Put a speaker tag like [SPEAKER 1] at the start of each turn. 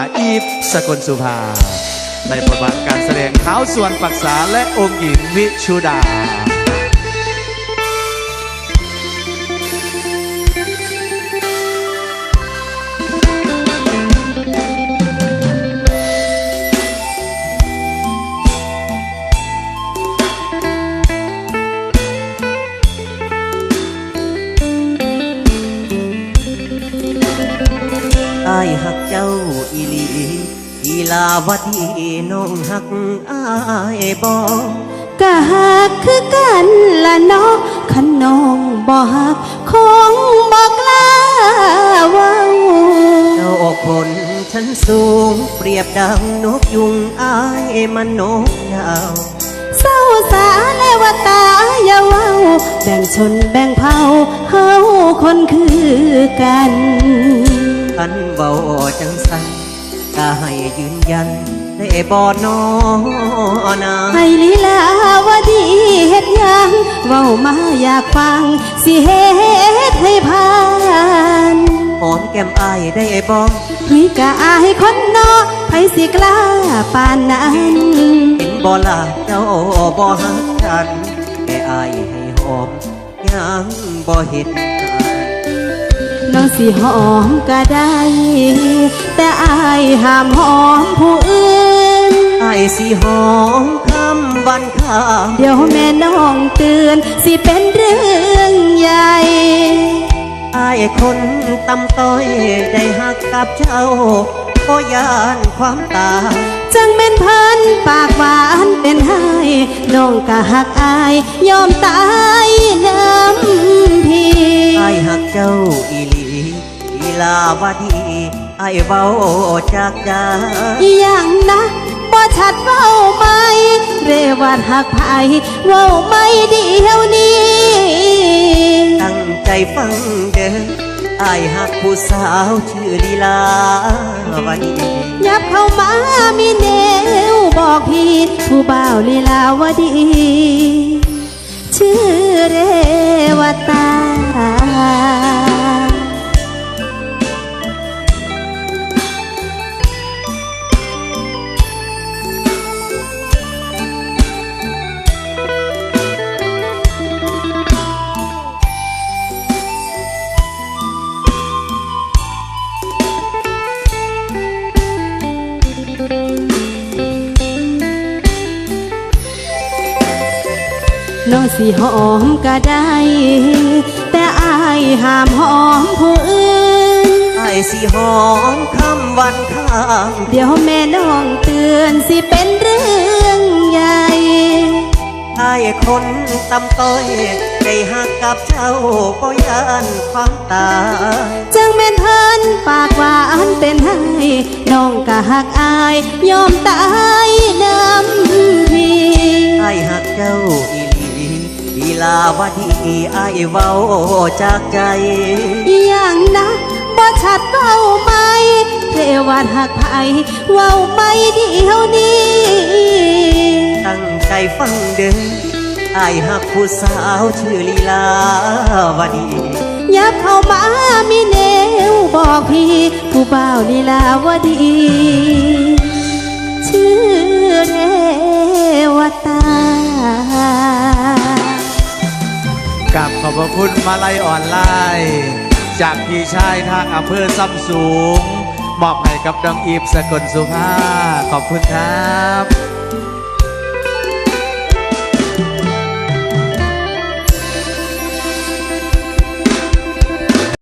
[SPEAKER 1] อีฟสกลสุภาในบทบาทการแสดงเท้าส่วนปรักษาและองค์หญิงวิชุดา
[SPEAKER 2] อ้ายหักเจ้าอีหลีอีลาวดีน้องหักอ้ายบ่
[SPEAKER 3] กะหักคือกันละเนาะคันน้องบ่หักคงบ่กล้าเว้า
[SPEAKER 2] เจ้าออกผลฉันสูงเปรียบดังนกยุงอ้ายมันนกยาว
[SPEAKER 3] เศร้าสาและว่าตาอย่าเว้าแบ่งชนแบ่งเผ่าเฮาคนคือกัน
[SPEAKER 2] คันเว้าจังสันก็ให้ยืนยันได้บ่น้อนา
[SPEAKER 3] ให้ลีลาวดีเฮ็ดหยังเว้ามาอยากฟังสิเฮ็ดให้ผ่าน
[SPEAKER 2] หอมแก้มอ้ายได้บ่
[SPEAKER 3] คุยกะอายคนเนาะไผสิกล้าปานนั้น
[SPEAKER 2] เห็นบ่ล่ะเจ้าบ่หักกันแค่อ้ายให้หอมยังบ่เห็น
[SPEAKER 3] น้องสิหอมก็ได้แต่อายห้ามหอมผู้อื่น
[SPEAKER 2] อ้ายสิหอมคำวันข้าม
[SPEAKER 3] เดี๋ยวแม่น้องเตือนสิเป็นเรื่องใหญ่
[SPEAKER 2] อ้ายคนตำต้อยได้หักกับเจ้าก็ยานความตาย
[SPEAKER 3] จังเป็นพันปากหวานเป็นให้น้องก็หักอายยอมตายน้ำพี่
[SPEAKER 2] อ้ายหักเจ้าอีหลีอีลาวดีอ้ายเว้าจากใจ
[SPEAKER 3] อย่างนะบ่ชัดเว้าไหมเรวัดหักไผเว้าไม่เดียวนี้
[SPEAKER 2] ตั้งใจฟังเด้ออ้ายหักผู้สาวชื่อลีลาวดี
[SPEAKER 3] ยับเข้ามามีแนวบอกพี่ผู้บ่าวลีลาวดีชื่อเรวตาน้องสิหอมก็ได้แต่อายห้ามหอมผู้อื่น
[SPEAKER 2] อ้ายสิหอมคำวันข้าม
[SPEAKER 3] เดี๋ยวแม่น้องเตือนสิเป็นเรื่องใหญ่
[SPEAKER 2] อ้ายคนตำต้อยได้หักกับเจ้าก็ยานความตาย
[SPEAKER 3] จังแม่นพันปากหวานเป็นให้น้องก็หักอายยอมตายน้ำพี่
[SPEAKER 2] อ้ายหักเจ้าอีลีลาวดีอ้ายเว้าจากใจ
[SPEAKER 3] อย่างนะบ่ชัดเว้าไหมเทวัดหักไผเว้าไม่เดียวนี้
[SPEAKER 2] ตั้งใจฟังเด้ออ้ายหักผู้สาวชื่อลีลาวดี
[SPEAKER 3] ยับเข้ามามีแนวบอกพี่ผู้บ่าวลีลาวดีชื่อเรวตาก
[SPEAKER 1] ราบขอบพระคุณมาลัยออนไลน์จากพี่ชายทางอำเภอซ้ำสูงมอบให้กับน้องอีฟสกลสุภาขอบคุณครับ